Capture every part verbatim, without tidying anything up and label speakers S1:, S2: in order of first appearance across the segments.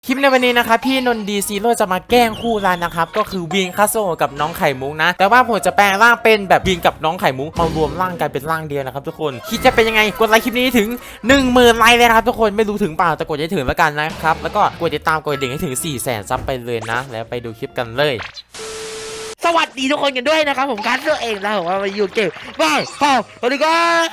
S1: คลิปในวันนี้นะครับพี่นนดีซีโร่จะมาแกล้งคู่รันนะครับก็คือวินคาโซกับน้องไข่มุกนะแต่ว่าผมจะแปลงร่างเป็นแบบวินกับน้องไข่มุกมารวมร่างกันเป็นร่างเดียวนะครับทุกคนคิดจะเป็นยังไงกดไลค์คลิปนี้ถึง หนึ่งหมื่น ไลค์เลยนะครับทุกคนไม่รู้ถึงเปล่าแต่กดให้ถึงแล้วกันนะครับแล้วก็กดติดตามกดดิ่งให้ถึง สี่แสน ซับไปเลยนะแล้วไปดูคลิปกันเลย
S2: สวัสดีทุกคนกันด้วยนะครับผมการตัวเองนะผมว่ามาอยู่เกมบ้าพ่อสวัสดีครับ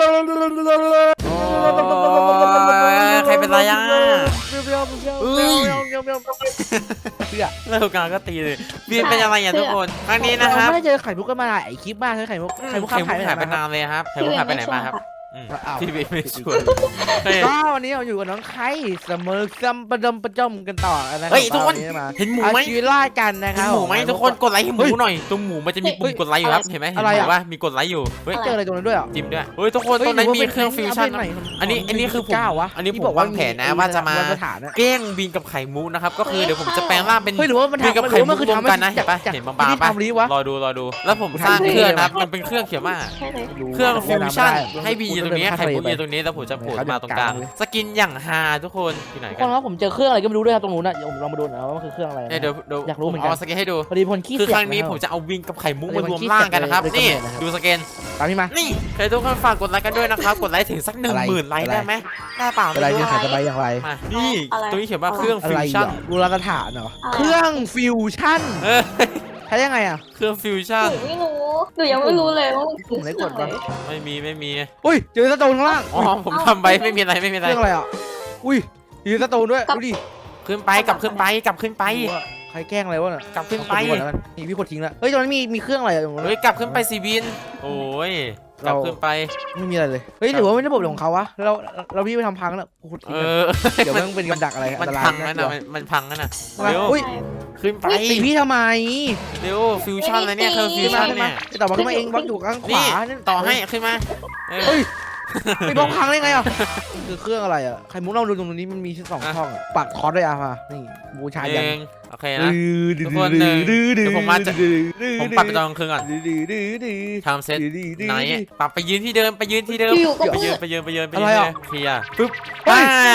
S1: ใครเป็นไรอ่ะ
S2: เปี้ยวเปี้ยวเปี้ยวเปี้ยวเปี้ยวเปี้ยวเปี้ยว
S1: เลิกกันก็ตีเลยวินเป็นอะไรอ่ะทุกคนครั้งนี้นะครับ
S2: ไม่ได้เจอไข่มุกกันมาหลายคลิปมากเลยไข่มุกไข่มุก
S1: ไข่มุกหายไปนานเลยครับไข่มุกหายไปไหนมาครับพี่เบย์ไม่ชวน
S2: ก็วันนี้เราอยู่กับน้องไข่เสมอซัมประดมประจมกันต่อนะครับ
S1: เฮ้ยทุกคนเห็นหมูไหม
S2: ชีวิตล่ากันนะครับ
S1: หมูไหมทุกคนกดไลค์ให้หมูหน่อยตรงหมูมันจะมีปุ่มกดไลค์อยู่ครับเห็นไหมเห็นไหมว่ามีกดไลค์อยู่เฮ้ย
S2: เจออะไรตรงนั้นด้วยอ่ะ
S1: จิ้มด้วยเฮ้ยทุกคนตรงนั้นมีเครื่องฟิวชั่นอันนี้อันนี้คือผมอันนี้ผมวางแผนนะว่าจะมาแกล้งบินกับไข่มุกนะครับก็คือเดี๋ยวผมจะแปลงร่างเป็นบินกับไข่มุกรวมกันนะเห็นปะเห็นบางๆปะรอดูรอดูแล้วผมสร้างเครื่องนะมันเป็นเครื่องเขียวมากเครื่องฟิวชั่นให้บีอยู่ตรงนี้ไข่มุกอยู่ตรงนี้แล้วผมจะโผล่มาตรงกลางสกินอย่างฮาทุกคนที่ไหนกัน
S2: คนว่าผมเจอเครื่องอะไรก็ไม่รู้ด้วยครับตรงนู้นนะผมลองมาดูนะว่าคือเครื่องอะไร
S1: เดี๋ยวเดี๋ยว
S2: อยากรู้เหมือนกัน
S1: เอาสกินให้ดู
S2: พอดีพลขี้
S1: คือครั้งนี้ผมจะเอาวินกับไข่มุกมารวมร่างกันนะครับนี่ดูสกิน
S2: ตามพี่มา
S1: นี่ใครทุกคนฝากกดไลค์กันด้วยนะครับกดไลค์ถึงสักหนึ่งหมื่นไลค์ได้ไหมได้เปล่า
S2: อะไรเนี่ยขายจะไปอย่างไร
S1: นี่ตรงนี้เขียนว่าเครื่องฟิวชั่น
S2: บูรณาฐานเหรอเครื่องฟิวชั่นใช้ยังไงอ่ะ
S1: เครื่องฟิวชั่น
S3: ไม่รู้หนูยังไม่รู้เลยว่า
S2: กลุ่มไหนกดบ้าง
S1: ไม่มีไม่มี
S2: อุ้ยเจอสโตนข้างล่าง
S1: อ๋อผมทำไปไม่มีอะไรไม่มีอะไร
S2: เครื่องอะไรอ่ะอุ้ยเจอสโตนด้วยดูดิ
S1: ขึ้นไปกลับขึ้นไปกลับขึ้นไป
S2: ใครแกล้งอะไรวะเนี่ย
S1: กลับขึ้นไป
S2: นี่พี่กดทิ้งแล้วเฮ้ยตรงนั้นมีมีเครื่องอะไรตรงนั้น
S1: เฮ้ยกลับขึ้นไปซีบินโอ้ยกลับขึ้นไป
S2: ไม่มีอะไรเลยเฮ้ยหรือว่าไม่ระบบของเขาวะเราเราพี่ไปทำพังแล้ว
S1: เออ
S2: เดี๋ยวมันเป็นกับดักอะไร
S1: มันพังนั่นน่ะมันพังนั่นน่ะ
S2: เร็ว
S1: ขึ้นไป
S2: ตีพี่ทำไม
S1: เร็วฟิวชั่นอะไรเนี่ยเครื่องฟิวชั่นเนี่ย
S2: ต่อมาขึ้นมาเองบล็อกอยู่ข้างขวา
S1: ต่อให้ขึ้นมา
S2: เฮ้ยไปบล็อกพังได้ไงอ่ะคือเครื่องอะไรอ่ะใครมุ้งเราดูตรงนี้มันมีสองช่องปักคอร์ดด้วยอ่ะมานี่บูชายัน
S1: โอเคนะทุกคนหนึ่งเดี๋ยวผมมาจะผมปรับไปตอนกลางคืนก่อนทำเซตไหนปรับไปยืนที่เดิมไปยืนที่เดิมไปยืนไปยืนไปยืนไปยืนเคลียร์ปึ๊บไป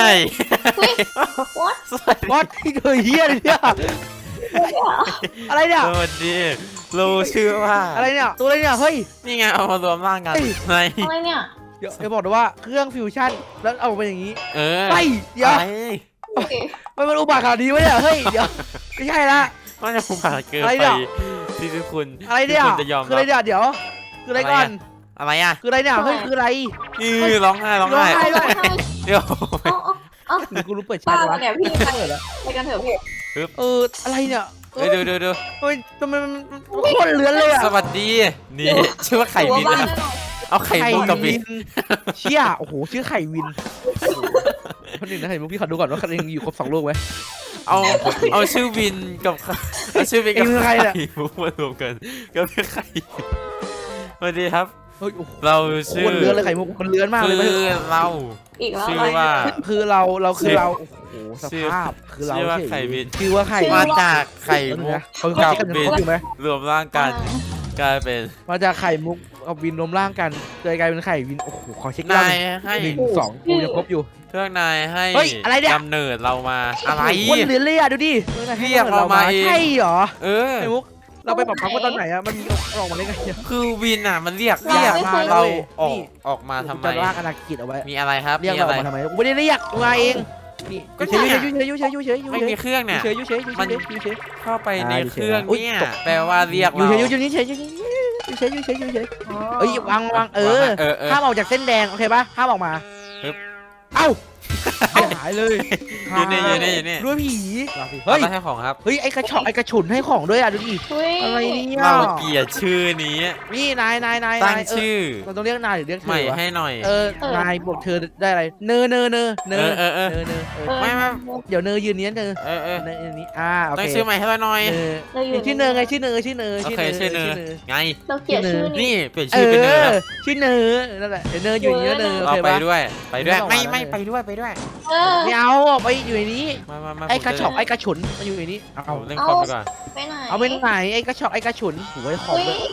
S2: วัดวัดที่เคยเฮียเนี่ยอะไรเนี่ย
S1: สวัสดีรู้ชื่อว่า
S2: อะไรเนี่ยตัวอะไรเนี่ยเฮ้ย
S1: นี่ไงเอามารวมร่างกัน
S3: ไงอะไรเนี่ย
S2: เดี๋ยวจะบอกด้วยว่าเครื่องฟิวชั่นแล้วเอาไปอย่างนี้
S1: เออ
S2: ไปเดี๋ยวมันมันอุบาทขนาดนี้วะเนี่ยเฮ้ยเดี๋ยวไม่ใช่ละ
S1: มันจะอุบาทเกินไปที่ทุกคน
S2: อะไรเนี่ยคืออะไรเนี่ยเดี๋ยวคืออะไรก่อน
S1: อะไรอ่ะ
S2: คืออะไรเนี่ยเฮ้ยคืออะไร
S1: ยือร้องไห้ร้องไห้เดี๋ยว
S2: กูรู้เปิดแชทแล้ว
S3: เนี่ยพี่ไปแล้วไปกันเถอะพี่
S2: เอออะไรเนี่ย
S1: เดี๋ยวเดี๋ยวเดี๋ยว
S2: เฮ้ยทำไมมันโคตรเลื้อนเลยอ่ะ
S1: สวัสดีนี่ชื่อว่าไข่วินเอาไข่มุกกับวิน
S2: เชี่ยโอ้โหชื่อไข่วินคนหนึ่งนะไข่มุกพี่ขอดูก่อนว่าเขายังอยู่ครบสองลูกไหม
S1: เอาเอาชื่อวินกับเอาชื่อวินกับไข่มุกมารวมกันก็เป็นไข่สวัสดีครับเราชื่อ
S2: เลื้อนเลยไข่มุกมันเลื้อนมากเลย
S1: คือเราชื่อว่า
S2: คือเราเราคือเราโอ้โหสภาพคือเรา
S1: ชื่อว่าไข่วิน
S2: ชื่อว่าไข่
S1: มาจากไข่มุกกับวินรวมร่างกันกลายเป็น
S2: มาจากไข่มุกกับวินรวมร่างกันเลยกลายเป็นไข่วินโอ้โหขอเช็ค
S1: นายให้
S2: หนึ่งสองกูยังครบอยู่
S1: เครื่องนายให้กำเนิดเรามาอะไร
S2: คนเลื้อนเลยอ่ะดูดิ
S1: เรียกเรามา
S2: ใช่เหรอ
S1: เออ
S2: ไข่มุกเราไปปรับพักว่าตอนไหนอะมันมีออกมาได้ไง
S1: คือวินอะมันเรียกเรียกมาเราออกออกมาทำไม
S2: จะลากอนาคตเอาไว้
S1: มีอะไรครับ
S2: เรียกเรามาทำไมกูไม่ได้เรียกมาเองนี่เฉยเฉยเฉยเฉยเฉย
S1: ไม่มีเครื่องเนี่ย
S2: เฉยเฉย
S1: มันเข้าไปในเครื่องเนี่ยแปลว่าเรียกเรา
S2: เฉยเฉยเฉยเฉยเฉยเฉยเฉยเฉยเอ้ยวางวางเออห้ามออกจากเส้นแดงโอเคป่ะห้ามออกมาเอ้าหายเลย
S1: อยู่นี่อยู่นี่อยู่นี่
S2: ด้วยผี
S1: เฮ้ยให้ของครับ
S2: เฮ้ยไอ้กระชอกไอ้กระฉุนให้ของด้วยอ่ะดูดิอะไรเนี่ย
S1: เราเกลียดชื่อนี้
S2: นี่นายนายนาย
S1: ตั้งชื่อ
S2: เราต้องเรียกนายหรือเรียกเธอ
S1: ใหม่ให้หน่อย
S2: เออนายบอกเธอได้อะไรเนอเนอเนอเนอ
S1: เออเออ
S2: เนอเนอ
S1: ไม่ไม่
S2: เดี๋ยวเนอยืนนี้เนอ
S1: เออเออ
S2: เนอนี้อ่าโอเค
S1: ตั้งชื่อใหม่ให้เราหน่อย
S2: ชื่อเนอไงชื่อเนอชื่อเนอ
S1: ชื่อเนอชื่อเนอไง
S3: เราเกลียดชื่อ
S1: นี่เปลี่ยนชื่อเป็นเนอ
S2: ชื่อเนอนั่นแหละเนออยู่นี้เนอ
S1: เราไปด้วยไปด้วยไม่ไม่ไปด้วยไปด้วย
S2: ไม่เอาออกไปอยู่ในนี้ไอ้กระชอกไอ้กระฉุนมาอยู่ในนี้
S1: เอาเล่นคอมไปก่อน
S2: ไปไหนเอาไปไหนไอ้กระชอกไอ้กระฉุนโอ้ยคอมเลย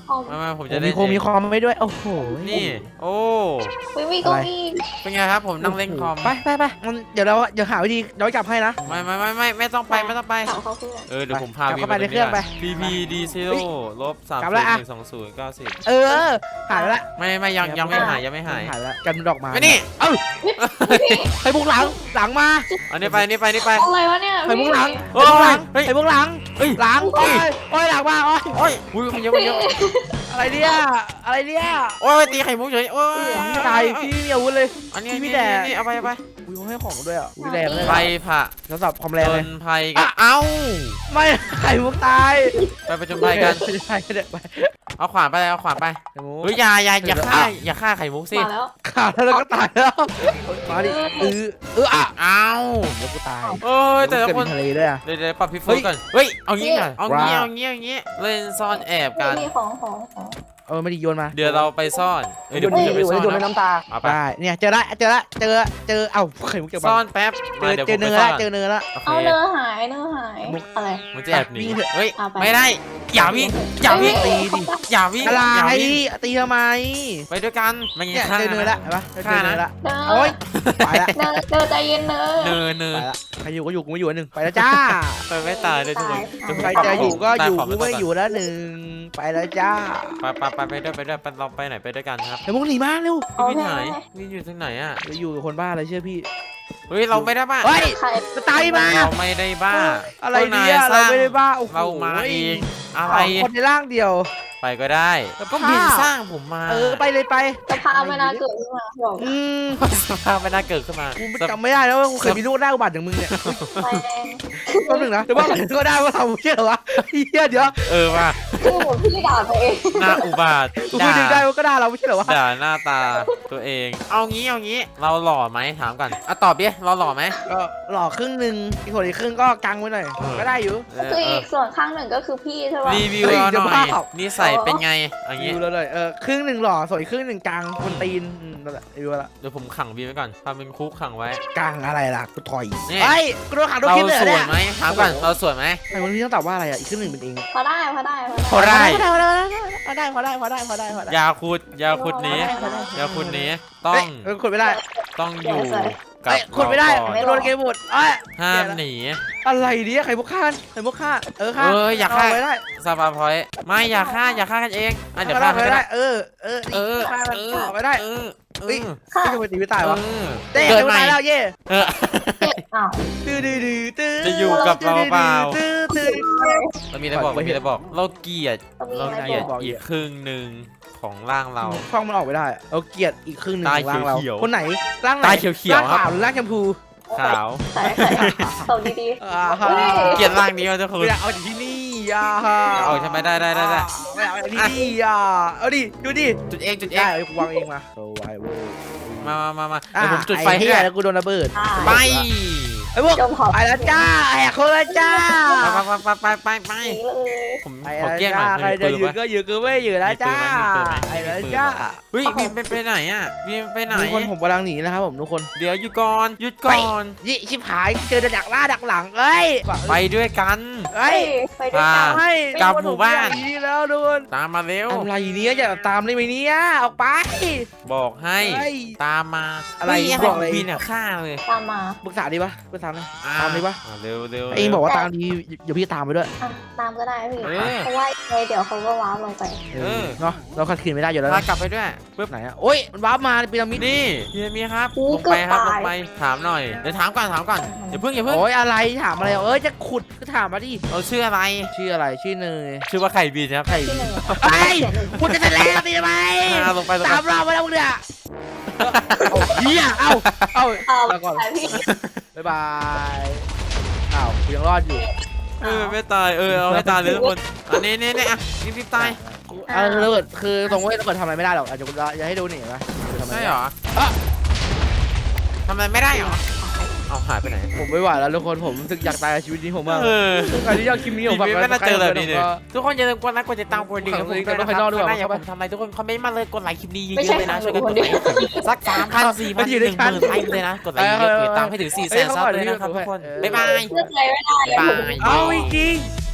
S1: มามาผม
S2: จะ
S1: จะ
S2: มี
S1: เล่น
S2: โคมมีคอมไม่ด้วยโอ้โห
S1: นี่โอ้
S3: ไม่มีเก็มี
S1: เป็นไงครับผมนั่งเล่นคอม
S2: ไปไปไปมันเดี๋ยวเราเดี๋ยวหาวิธีย้อนกลับให้นะ
S1: ไม่ไม่ไม่ไม่ไม่ต้องไปไม่ต้องไป
S3: ถามเขาเพื่อน
S1: เออเดี๋ยวผมพา
S2: กลับเข้าไปในเครื่องไป
S1: พีพีดีซีโร่ลบสาม
S2: กลับ
S1: ศู
S2: แล้
S1: น
S2: ว
S1: ย์
S2: อะ
S1: หนึ่งสองศูนย์เก้าสิบ
S2: เออหายไปละ
S1: ไม่ไม่ยังยังไม่หายยังไม่หาย
S2: หายแล้วกันดอกไม้
S1: ไปนี่
S2: เอ้าไปบุกหลังหลังมา
S1: อันนี้ไปนี่ไปนี่ไป
S3: อะไรวะเนี่ย
S2: ไปบุกหลัง
S1: โอ้
S2: ไป
S1: ย
S2: บุกหลัง
S1: เฮ้ย
S2: ไปบุกหลังหลังโอ้ยโอ้ยหลังมาโอ้ย
S1: โอ้ยอุ้ยมันเยอะมันเยอะ
S2: อะไรเนี่ยอะไรเนี่ย
S1: โอ้ยตีไข่มุกเฉยโอ้ย
S2: พี่ตายพี่ไม่มีอาวุธเลย
S1: อันนี้
S2: พี่
S1: พี่
S2: แด
S1: แด
S2: ด
S1: นี่เอาไปเอาไป
S2: อุ้ยเขาให้ของด้วยอ่ะอุ้ยแรงเลย
S1: ไฟผ่า
S2: ทดสอบความ
S1: จ
S2: แรงเลย
S1: นภัยกันเอ้า
S2: ไม่ไข่มุกตาย
S1: ไปประจนภัยกัน
S2: ไม่ใช่ไม่ได้ไป
S1: เอาขวานไปเอาขวานไป
S2: ไข่มุก
S1: เฮ้ยอย่าอย่าอย่าฆ่าอย่าฆ่าไข่มุกสิ
S3: มาแล้ว
S2: ขาดแล้วก็ตายแล้วมาดิเออเอออ่ะ
S1: เอ้า
S2: เดี๋ยวกูตาย
S1: เอ้ยแต่ละคน
S2: เกิดเป็นทะเลด้วยอ่ะ
S1: เดี๋ยวเดี๋ยวปรับพี่ฟูก่อนเฮ้ยเอางี้ก่อนเอางี้เอางี้เอางี้เล่นซ่อนแอบกัน
S3: มีของของของ
S2: เออไม่ได้โยนมา
S1: เดี๋ยวเราไปซ่อนเอ้ยเดี๋ยวผมจะไปซ่อนนะ
S2: น้ำตา
S1: เอาไป
S2: ได้เนี่ยเจอละเจอละเจอเจอเอ้าไข่มุกเจอ
S1: ซ่อนแป๊บ
S2: เจ
S1: มา
S2: อ
S1: เดี๋ยว
S2: เจ
S1: ผ
S2: อ
S1: ม
S2: เนื้
S1: ไป
S2: อ
S1: ซ่
S2: ละ
S1: อน
S2: เจอเนื้อละ
S1: โอ
S3: เอา
S1: เค
S3: เนื้อหายเนื้อหายอะไร
S1: มันจะแอบหนี
S2: วิ่งเถอะ
S1: เฮ้ย
S3: เอาไป
S1: ไม่ได้อย่าวิ่งอย่าวิ่ง
S2: ตีดิ
S1: อย่าวิ่ง
S2: อะไร
S1: อย่าวิ่ง
S2: ตีทำไม
S1: ไปด้วยกันไม่งั้
S2: เนี่ย
S1: นฆ่า
S2: เจอเนื้อละ
S1: นะ
S2: เห็นปะเจอ
S1: ฆ่า
S2: เนื้
S1: นะ
S2: อละ
S3: เนื้อ
S2: โอ๊ยไปละ
S3: เนื้อเนื้อใจเย็นเนื้อ
S1: เนินเนิ
S2: ไป
S1: น
S2: ละใครอยู่ก็อยู่กูไม่อยู่อันหนึ่งไปแล้วจ้า
S1: ไปไม่ตายเลยทุกคน
S2: ใครจะอยู่ก็อยู่
S1: ตาข
S2: กูไม่อยู่แล้วหนึ่งไปแล้วจ้า
S1: ไปไปไปไปด้วยไปด้วยไปเราไปไหนไปด้วยกันครับ
S2: ไอ้มุกหนีมาเร็ว
S3: เอา
S1: พี่
S3: แค่
S1: ไหน
S3: ไหน
S1: พี่อยู่ที่ไหนอ่ะ
S2: จะอยู่กับคนบ้าอะไรเชื่อพี่
S1: เฮ้ยเราไม่ได้บ้า
S2: เฮ้ย
S3: ใคร
S2: จะตายมา
S1: เราไม่ได้บ้า
S2: อะไรเนี่ยเราไม่ได้บ้าโอ้โห
S1: เรามาเองอะไร
S2: คนในร่างเดียว
S1: ไปก็ได้
S2: แล้ว
S1: ก็
S2: ภาพ
S1: บินสร้างผมมา
S2: เออไปเลยไป
S3: จะพาไม่น่าเกิดขึ้นมาบอก
S2: อืม
S1: สภาพไม่น่าเกิดขึ้นมา
S2: กูจำไม่ได้แล้วว่ากูเคยมีลูกหน้าอุบัติอย่างมึงเนี่ย
S3: ไปแรง
S2: แป๊บนึงนะเดี๋ยวว่าก็ได้ว่าเราเชื่อวะเฮียเดี๋ยว
S1: เออว่า
S3: คือเหมือนพี่ด่าตัวเอง
S1: หน้าอุบาท
S2: กูพูดถึงได้ว่าก็ได้เราไม่ใช่เหรอวะ
S1: ด่าหน้าตาตัวเอง เอางี้เอางี้เราหล่อไหมถามก่อนอ่ะตอบดิเราหล่อไหม
S2: ก็หล่อครึ่งหนึ่งอีกส่วนอีกครึ่งก็กังไว้หน่อย
S1: เออ
S2: ก็ได้อยู่
S1: เออ
S3: คือ
S1: เอ
S3: อี
S1: อก
S3: ส่วนข้างหนึ่งก็คือพี่ใช่ป่ะ
S1: รีวิว
S2: เฮ้ย
S1: เรา
S2: เดี๋
S1: ห
S2: ยว
S1: น่อย
S2: บ้า
S1: นิสัยเป็นไงอย่างงี้
S2: ดูแล้วเลยเออครึ่งหนึ่งหล่อส่วนอีกครึ่งหนึ่งกลางคนตีนอืมนั่นแหละดูละ
S1: เดี๋ยวผมขังบีไว้ก่อนทำเป็นคุกขังไว้
S2: กลางอะไรล่ะกูถอย
S1: นี่
S2: ไอ้ยกูโดนขังโดน
S1: เรา
S2: คลิปเลย
S1: ส
S2: เหรอ
S1: วย
S2: เนี่ย
S1: ไหมถามก่อนเราสวยไหม
S2: ไอ้วันนี้ต้องตอบว่าอะไรอ่ะอีกครึ่งหนึ่งเป็นเอง
S3: พอได้พอได้พอได้
S1: พอได้
S2: พอได้พอได้พอได้พอได้พอได้พอได้
S1: ยาคุดยาคุดนี้ยาคุดนี้ต้อ
S2: เฮ้
S1: ง
S2: ยเออขุดไม่ได้
S1: ต้องอยู่กับ
S2: เอ้ยขุดไม่ได้
S1: เราก่อน
S2: โดนเกมหมดเอ้ย
S1: ห้ามหนี
S2: อะไรเนี่ยไข่มุกฆ่าไข่มุกฆ่าเออฆ่า
S1: เอออย่าฆ่า
S2: เไม่ได้
S1: ซาบาพอยไม่อย่าฆ่าอย่าฆ่ากันเองอ่ะเดี๋ยวฆ่า
S2: ไม่
S1: ให้
S2: ได้
S1: ได้
S2: เออเออ
S1: เออ
S2: ฆ่ามัน
S1: เอ
S2: ออกไม่ได้
S1: เออเอ
S2: เฮ้ย
S1: อ
S3: ค่ะ
S2: ไม่ทำไมตีไม่ตายวะ
S1: เออ
S2: เต้
S1: เกิด
S2: เดี๋ยว
S1: ใหม่
S2: ตายแล้วเย่
S1: เออ
S3: อ้าว
S2: ตื้อดื้อดื้อตื้อ
S1: จะอยู่กับเราเปล่า
S2: ตื้อตื้อ
S1: เรามีอะไรบอกเรามีอะไรบอก เราเกลียด
S3: ต้องมี
S1: เรา
S3: อะไร
S1: เกลียด
S3: บอก
S1: อีกครึ่งหนึ่งของร่างเรา
S2: ช่องมันออกไม่ได้เอาเกลียดอีกครึ่งหนึ่ง
S1: ตา
S2: ของร่างเรา
S1: เขียวๆ
S2: คนไหนร่างไหน
S1: ตาเขียวๆ
S2: ร่าง
S1: ครับ
S2: ขาวหรือร่างชมพู
S1: ขาว
S3: ใส่ใส่ตอบดี
S2: อ่าฮะ
S1: เกลียดร่างนี้ว่าทุกคน
S2: ไม่อยากเอาจากที่นี่อ่าฮะ
S1: เอาใช่ไหมได้ได้ได้ได้
S2: ไม่อยากเอาจากที่นี่อ่ะเอาดิดูดิ
S1: จุดเองจุดเอ
S2: ได้
S1: ง
S2: เอากูวางเองมาโซไวเวอร์
S1: มามามามา
S2: อ่ะ
S1: เดี๋ยวผมจุดไฟ
S2: อ้
S1: ให้
S2: เหี้ย
S1: ด้วย
S2: แล้วกูโดนระเบิด
S3: ๆอ่า
S1: ไป
S2: ไอ้พวก
S3: จมขอบ
S2: ไปแล้วจ้าแหกโคนแล้วจ้า
S1: ไปไปไปไปไปไป
S3: สีเลย
S1: ผม
S2: ไป
S1: ขอ
S2: แล้ว
S1: แก้หน่
S2: จ้า
S1: อย
S2: ใคร
S1: มี
S2: จะ
S1: ปืน
S2: อยู่
S1: ปะ
S2: ก็อยู่ก็ไม่อยู่แล้วจ้า
S1: มีปืนไหมมีปืนไหม
S2: ไปแล้วจ้า
S1: เฮ้ยบีมไปไปไหนอ่ะบีมไปไหน
S2: ทุกคนผมกำลังหนีนะครับผมทุกคน
S1: เดี๋ยวหยุดก่อนหยุดก่อน
S2: ยี่ชิบหายเจอดักหน้าดักหลังเอ้ย
S1: ไปด้วยกัน
S2: เอ้ย
S3: ไปด้วยกัน
S1: อ่า
S2: ไม่
S1: กลับหมู่บ้าน
S2: ผมอยกหแล้วทุกคน
S1: ตามมาเร็ว
S2: อะไรเนี้ยอย่าตามได้ไหมเนี้ยออกไป
S1: บอกให้
S2: เฮ้ย
S1: ตามมา
S2: อะไร
S1: เฮ้ย
S2: บอกอะไร
S1: บินอ่ะฆ่าเลย
S3: ตามมา
S2: ปรึกษาดีปะปรึกษาเลย
S1: อ่
S2: ตามดีปะ
S1: อ่เร็วเร็ว
S2: เองบอกว่าตามดีเดี๋ยวพี่ตามไปด้วย
S3: อ่ะตามก็ได้พี่
S1: เออ
S3: เพราะว่าไงเดี๋ยวเขาก็ว้าวลงไป
S1: เออ
S2: เนาะเราขัดขืนไม่ได้อยู่แล้ว
S1: พา
S2: นะ
S1: กลับไปด้วยปึ๊บ
S2: ไหนอะโอ้ยมันวาร์ปมาในพีระมิด
S1: นี่พี่มีครับ
S3: อู้
S1: ลงไปครับ
S3: เกื
S1: ล
S3: อบ
S1: ง
S3: ตาย
S1: ไปถามหน่อยเดี๋ยวถามก่อนถามก่อนอย่าเพิ่งอย่าเพิ่ง
S2: โอ้ยอะไรถามอะไรเอ้ยจะขุดก็ถามมาดิ
S1: เราชื่ออะไร
S2: ชื่ออะไรชื่อเนย
S1: ชื่อว่าไข่บินครับ
S2: ไข่
S3: ที่หนึ่ง
S2: ไปขุดจะเสร็จแล้วตีทำไม
S1: อ่าลงไปลง
S2: สาม
S1: ไป
S2: รอบมาแล้วมึงเนี่ยเอาเฮียเอ้าเอ้า
S3: เอา
S2: ลาก่อน
S3: ไปพี่
S2: บ๊ายบายอ้าวกูยังรอดอยู่
S1: เออไม่ตายเออเอาให้ตายเลยทุกคนอันนี้นี่นี่อ่ะรีบรีบตาย
S2: อ่าระเบิดคือตรงเว้ยระเบิดทำอะไรไม่ได้หรอกอาจจะจะให้ดูหนิไหมทำอะไร
S1: ใช่
S2: ไม่
S1: เหร
S2: ได้
S1: อทำอะไรไม่ได้เหรอเอาหายไปไหน
S2: ผมไม่ไหวแล้วทุกคนผมรู้สึกอยากตายกับชีวิตนี้ผมมาก
S1: เออ
S2: ใครที่ชอบคลิปนี้ผม
S1: ไม่ไม่น่าเจอแบบนี้เลย
S2: ก็
S1: ทุกคนอย่าลืมกดไลค์กดติดตามกดดิ่งกับผมด้วยนะค
S2: ข้างน
S1: รั
S2: อบ กด้วย
S1: ข้างหน้าอย่า
S2: เข้า
S1: ผ
S2: ไป
S1: มทำอะไรทุกคนคอมเมนต์มาเลยกดไลค์คลิปนี้เย
S3: ไม่ใช่
S1: อะๆเลยนะช่วยกันก
S3: ค
S1: ด
S3: น
S1: ไล
S3: เดียว
S1: ค์สักสามพันสี่พันหนึ่งหมื่นไลค์เลยนะกดไลค์เยอะๆตามให้ถึงสี่แสนซับเลยนะครับทุกคนบ๊ายบาย
S3: เชื่อใจไม่ได้เลย
S1: บ๊ายบาย
S2: เอาจริงๆ